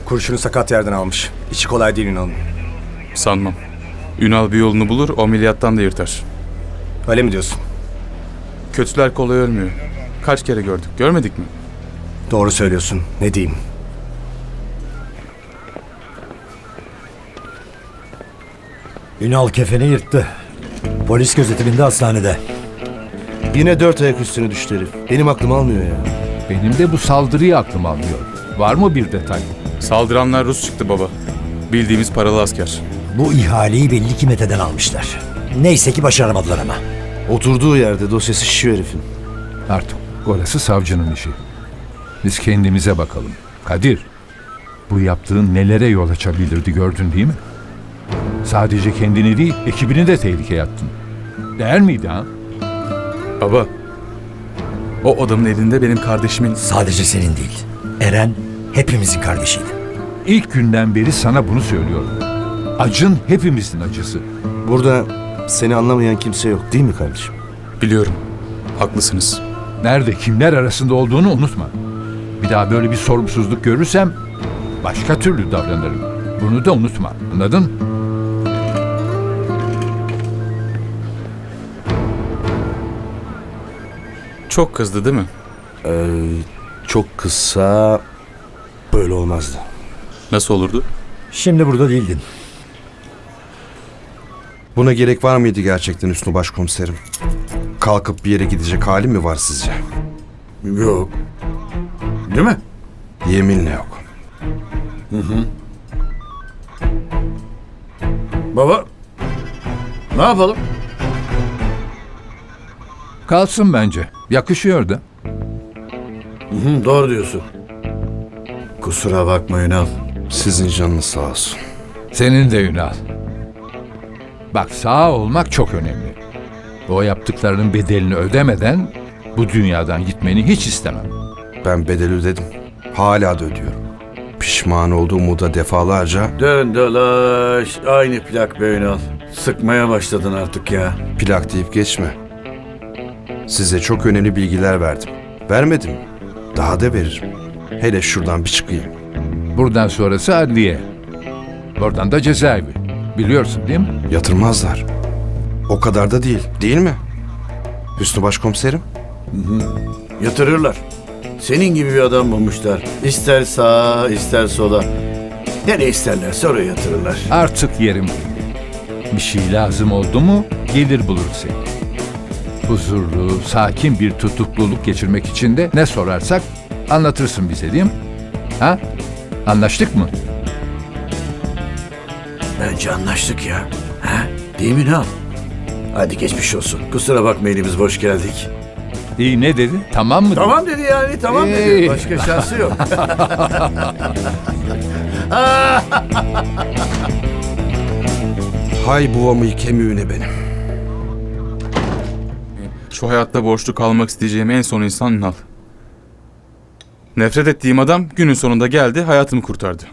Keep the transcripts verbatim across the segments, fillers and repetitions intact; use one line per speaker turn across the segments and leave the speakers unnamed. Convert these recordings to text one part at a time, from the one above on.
Kurşunu sakat yerden almış. İçi kolay değil Ünal'ın.
Sanmam. Ünal bir yolunu bulur, o ameliyattan da yırtar.
Öyle mi diyorsun?
Kötüler kolay ölmüyor. Kaç kere gördük, görmedik mi?
Doğru söylüyorsun. Ne diyeyim?
Ünal kefeni yırttı. Polis gözetiminde hastanede.
Yine dört ayak üstüne düştü herif. Benim aklım almıyor ya.
Benim de bu saldırıyı aklım almıyor. Var mı bir detay?
Saldıranlar Rus çıktı baba. Bildiğimiz paralı asker.
Bu ihaleyi belli ki Mete'den almışlar. Neyse ki başaramadılar ama.
Oturduğu yerde dosyası şişiyor herifin.
Artık orası savcının işi. Biz kendimize bakalım. Kadir, bu yaptığın nelere yol açabilirdi gördün değil mi? Sadece kendini değil, ekibini de tehlikeye attın. Değer miydi ha?
Baba, o adamın elinde benim kardeşimin...
Sadece senin değil. Eren hepimizin kardeşiydi.
İlk günden beri sana bunu söylüyorum. Acın hepimizin acısı.
Burada seni anlamayan kimse yok değil mi kardeşim?
Biliyorum, haklısınız.
Nerede, kimler arasında olduğunu unutma. Bir daha böyle bir sorumsuzluk görürsem başka türlü davranırım. Bunu da unutma, anladın?
Çok kızdı değil mi?
Ee, çok kısa böyle olmazdı.
Nasıl olurdu?
Şimdi burada değildin.
Buna gerek var mıydı gerçekten Hüsnü Başkomiserim? Kalkıp bir yere gidecek halim mi var sizce?
Yok. Değil mi?
Yeminle yok.
Baba, ne yapalım?
Kalsın bence. Yakışıyor da.
Hı, doğru diyorsun. Kusura bakma Ünal.
Sizin canınız sağ olsun.
Senin de Ünal. Bak, sağ olmak çok önemli. O yaptıklarının bedelini ödemeden bu dünyadan gitmeni hiç istemem.
Ben bedeli ödedim. Hala da ödüyorum. Pişman olduğumu da defalarca
Dön dolaş. Aynı plak be Ünal. Sıkmaya başladın artık ya.
plak deyip geçme. Size çok önemli bilgiler verdim. Vermedim mi? Daha da veririm. Hele şuradan bir çıkayım.
Buradan sonrası adliye. Oradan da cezaevi. Biliyorsun değil mi?
Yatırmazlar. O kadar da değil, değil mi? Hüsnü Başkomiserim?
Yatırırlar. Senin gibi bir adam bulmuşlar. İster sağa, ister sola. Nereye isterlerse oraya yatırırlar.
Artık yerim belli. Bir şey lazım oldu mu gelir bulur seni. Huzurlu, sakin bir tutukluluk geçirmek için de ne sorarsak anlatırsın bize değil mi? Ha? Anlaştık mı?
Bence anlaştık ya. Ha? Değil mi Ünal? Hadi geçmiş olsun. Kusura bakma elimiz boş geldik.
İyi, ne dedi? Tamam mı dedi?
Tamam dedi yani, tamam dedi.
Hey.
Başka şansı yok.
Hay buvamı kemiğine benim.
Şu hayatta borçlu kalmak isteyeceğim en son insan Ünal. Nefret ettiğim adam günün sonunda geldi, hayatımı kurtardı.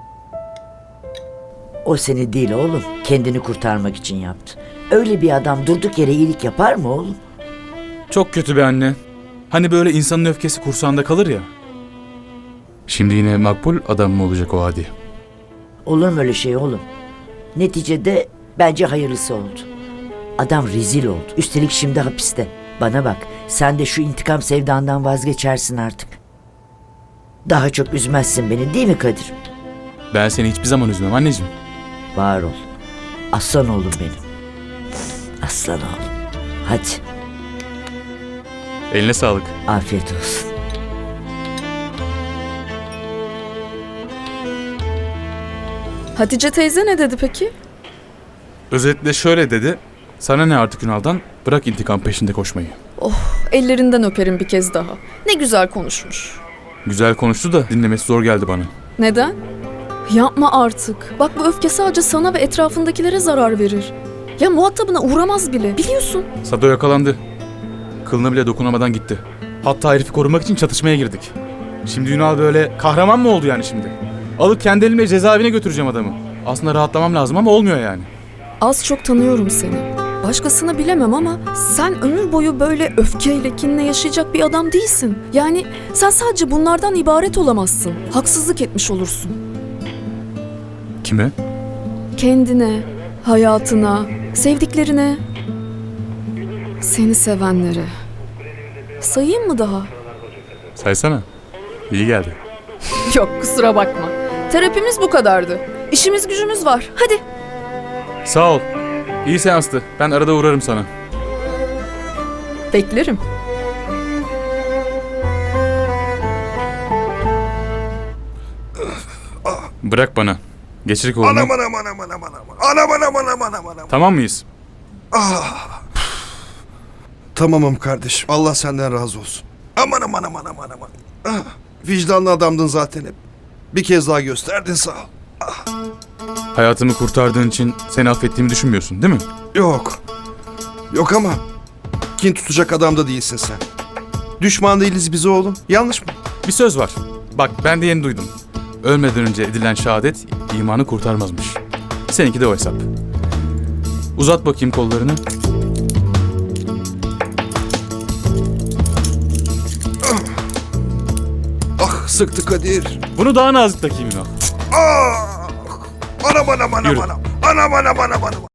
O seni değil oğlum. Kendini kurtarmak için yaptı. Öyle bir adam durduk yere iyilik yapar mı oğlum?
Çok kötü be anne. Hani böyle insanın öfkesi kursağında kalır ya. Şimdi yine makbul adam mı olacak o hadi?
Olur mu öyle şey oğlum? Neticede bence hayırlısı oldu. Adam rezil oldu. Üstelik şimdi hapiste. Bana bak, sen de şu intikam sevdandan vazgeçersin artık. Daha çok üzmezsin beni değil mi Kadir?
Ben seni hiçbir zaman üzmem anneciğim.
Var ol. Aslan oğlum benim. Aslan oğlum. Hadi,
Eline sağlık.
afiyet olsun.
Hatice teyze ne dedi peki?
Özetle şöyle dedi. Sana ne artık Ünal'dan? Bırak intikam peşinde koşmayı.
Ellerinden öperim bir kez daha. Ne güzel konuşmuş.
Güzel konuştu da dinlemesi zor geldi bana.
Neden? Yapma artık. Bak, bu öfke sadece sana ve etrafındakilere zarar verir. Ya muhatabına uğramaz bile, biliyorsun.
Sado yakalandı. Kılına bile dokunamadan gitti. Hatta herifi korumak için çatışmaya girdik. Şimdi Ünal böyle kahraman mı oldu yani şimdi? Alıp kendi elimle cezaevine götüreceğim adamı. Aslında rahatlamam lazım ama olmuyor yani.
Az çok tanıyorum seni. Başkasını bilemem ama sen ömür boyu böyle öfkeyle, kinle yaşayacak bir adam değilsin. Yani sen sadece bunlardan ibaret olamazsın. Haksızlık etmiş olursun.
Kime?
Kendine, hayatına, sevdiklerine, seni sevenlere. Sayayım mı daha?
Saysana. İyi geldi.
Yok, kusura bakma. Terapimiz bu kadardı. İşimiz gücümüz var. Hadi.
Sağ ol. İyi seanstı. Ben arada uğrarım sana.
Beklerim.
Bırak bana. Geçir kolunu.
Anam anam anam anam anam. Anam anam anam anam anam.
Tamam mıyız?
Tamamım kardeşim. Allah senden razı olsun. Aman aman aman aman aman. Ah, vicdanlı adamdın zaten hep. Bir kez daha gösterdin, sağ ol.
Hayatımı kurtardığın için seni affettiğimi düşünmüyorsun değil mi?
Yok. Yok ama kin tutacak adam da değilsin sen. Düşman değiliz biz oğlum. Yanlış mı?
Bir söz var. Bak ben de yeni duydum. Ölmeden önce edilen şehadet imanı kurtarmazmış. Seninki de o hesap. Uzat bakayım kollarını.
Ah, sıktı Kadir.
Bunu daha nazik takayım Ünal.
Ah! Anam anam anam
Yürü.
anam. Anam anam anam anam.